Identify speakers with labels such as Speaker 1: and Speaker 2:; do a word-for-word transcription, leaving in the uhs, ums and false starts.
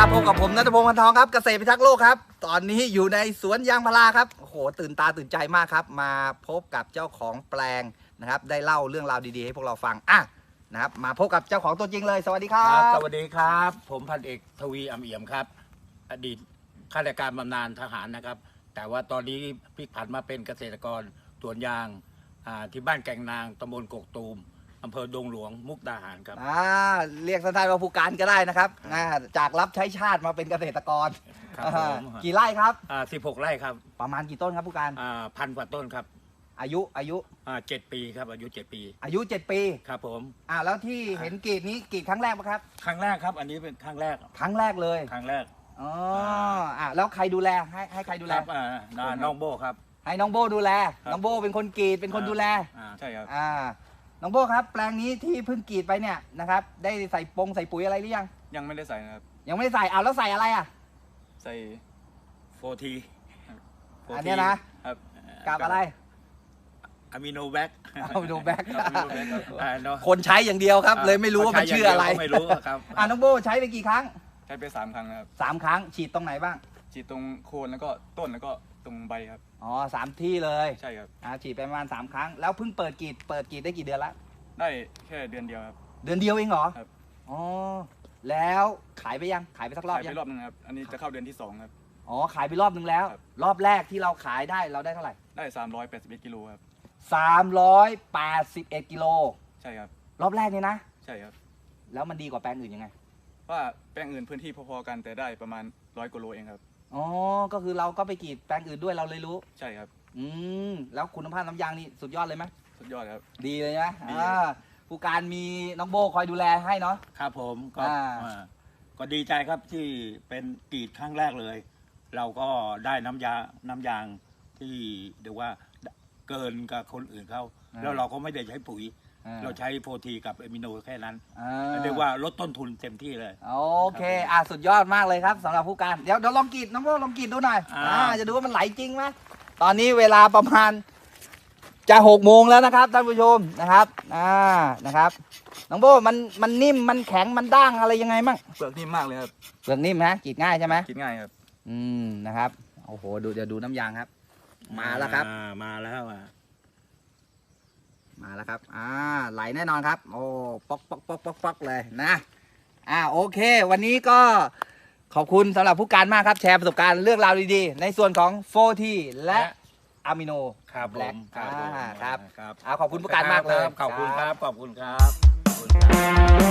Speaker 1: พบกับผมณัฐพงศ์ พันทองครับเกษตรพิทักษ์โลกครับตอนนี้อยู่ในสวนยางพาราครับโอ้โหตื่นตาตื่นใจมากครับมาพบกับเจ้าของแปลงนะครับได้เล่าเรื่องราวดีๆให้พวกเราฟังอ่ะนะครับมาพบกับเจ้าของตัวจริงเลยสวัสดีครับ
Speaker 2: สวัสดีครับผมพันเอกทวีอำเอี่ยมครับอดีตข้าราชการบำนาญทหารนะครับแต่ว่าตอนนี้พลิกผันมาเป็นเกษตรกรสวนยางที่บ้านแก่งนางตำบลกกตูมอำเภอดงหลวงมุกดาหารครับ
Speaker 1: อ่าเรียกสั้นๆว่าผู้การก็ได้นะครับอ่าจากรับใช้ชาติมาเป็นเกษตรกร
Speaker 2: ครับผม
Speaker 1: กี่ไร่ครับ
Speaker 2: อ่าสิบหกไร่ครับ
Speaker 1: ประมาณกี่ต้นครับผู้การ
Speaker 2: อ่าพันกว่าต้นครับ
Speaker 1: อายุอายุ
Speaker 2: อ่าเจ็ดปีครับอายุเจ็ดปี
Speaker 1: อายุเจ็ดปี
Speaker 2: ครับผม
Speaker 1: อ่าแล้วที่เห็นกรีดนี้กรีดครั้งแรกปะครับ
Speaker 2: ครั้งแรกครับอันนี้เป็นครั้งแรก
Speaker 1: ครั้งแรกเลย
Speaker 2: ครั้งแรก
Speaker 1: อ๋ออ่าแล้วใครดูแลให้ให้ใครดูแล
Speaker 2: ครับอ่าน้องโบครับ
Speaker 1: ให้น้องโบดูแลน้องโบเป็นคนกรีดเป็นคนดูแล
Speaker 2: อ่าใช่ครับ
Speaker 1: อ่าน้องโบครับแปลงนี้ที่เพิ่งกรีดไปเนี่ยนะครับได้ใส่ปงใส่ปุ๋ยอะไรหรือยัง
Speaker 3: ยังไม่ได้ใส่นะครับ
Speaker 1: ยังไม่ได้ใส่เอาแล้วใส่อะไรอ่ะ
Speaker 3: ใส่
Speaker 2: โฟที
Speaker 1: อันนี้นะครับกับอะไร
Speaker 2: อะมิโนแบ็ก
Speaker 1: อะมิโนแบ็กคนใช้อย่างเดียวครับเลยไม่รู้ว่ามันชื่ออะไร
Speaker 2: ไม่รู้ครับ
Speaker 1: อ่าน้องโบใช้ไปกี่ครั้ง
Speaker 3: ใช้ไปสามครั้งครับ
Speaker 1: สามครั้งฉีดตรงไหนบ้าง
Speaker 3: ฉีดตรงโคนแล้วก็ต้นแล้วก็ตรงใบครับ
Speaker 1: อ๋อสามที่เลย
Speaker 3: ใช่ครับ
Speaker 1: อ่าฉีดไปประมาณสามครั้งแล้วเพิ่งเปิดกรีดเปิดกรีดได้กี่เดือนละ
Speaker 3: ได้แค่เดือนเดียวครับ
Speaker 1: เดือนเดียวเองเหรอ
Speaker 3: ครับ
Speaker 1: อ๋อแล้วขายไปยังขายไปสักรอบยัง
Speaker 3: ขายไปรอบนึงครับอันนี้จะเข้าเดือนที่สองครับ
Speaker 1: อ๋อขายไปรอบนึงแล้วรอบแรกที่เราขายได้เราได้เท่าไหร่
Speaker 3: ได้สามร้อยแปดสิบเอ็ดกิโลครับ
Speaker 1: สามร้อยแปดสิบเอ็ดกิโล
Speaker 3: ใช่ครับ
Speaker 1: รอบแรกนี่นะ
Speaker 3: ใช่ครับ
Speaker 1: แล้วมันดีกว่าแปลงอื่นยังไง
Speaker 3: ว่าแปลงอื่นพื้นที่พอๆกันแต่ได้ประมาณร้อยกิโลเองครับ
Speaker 1: อ๋อก็คือเราก็ไปกรีดแปลงอื่นด้วยเราเลยรู้
Speaker 3: ใช่ครับ
Speaker 1: อืมแล้วคุณภาพน้ำยางนี่สุดยอดเลยไหม
Speaker 3: สุดยอดครับ
Speaker 1: ดีเลยนะอ่าผู้การมีน้องโบคอยดูแลให้เนาะ
Speaker 2: ครับผมก็ก็ดีใจครับที่เป็นกรีดครั้งแรกเลย เราก็ได้น้ำยาน้ำยางที่เรียกว่าเกินกับคนอื่นเขาแล้วเราก็ไม่ได้ใช้ปุ๋ยเราใช้โฟทีกับเอมิโนแค่นั้นเรียกว่าลดต้นทุนเต็มที่เลย
Speaker 1: โอเคอ่ะสุดยอดมากเลยครับสำหรับผู้การเดี๋ยวเดี๋ยวลองกรีดน้องโบลองกรีดดูหน่อยอ่าจะดูว่ามันไหลจริงไหมตอนนี้เวลาประมาณจะหกโมงแล้วนะครับท่านผู้ชมนะครับอ่านะครับน้องโบมันมันนิ่มมันแข็งมันด้างอะไรยังไงมั่ง
Speaker 3: เปลือกนิ่มมากเลยครับ
Speaker 1: เปลือกนิ่มนะกรีดง่ายใช่ไหม
Speaker 3: กรีดง่ายครับ
Speaker 1: อืมนะครับโอ้โหดูเดี๋ยวดูน้ำยางครับมาแล้วครับ
Speaker 2: มาแล้วอ่ะ
Speaker 1: มาแล้วครับอ่าไหลแน่นอนครับโอ้ป๊อกป๊อกป๊อกป๊อกป๊อกเลยนะอ่าโอเควันนี้ก็ขอบคุณสำหรับผู้การมากครับแชร์ประสบการณ์เรื่องราวดีๆในส่วนของโฟทีและอะมิโน
Speaker 2: ครับผม
Speaker 1: ครับครับขอบคุณผู้การมากเลย
Speaker 2: ขอบคุณครับขอบคุณครับ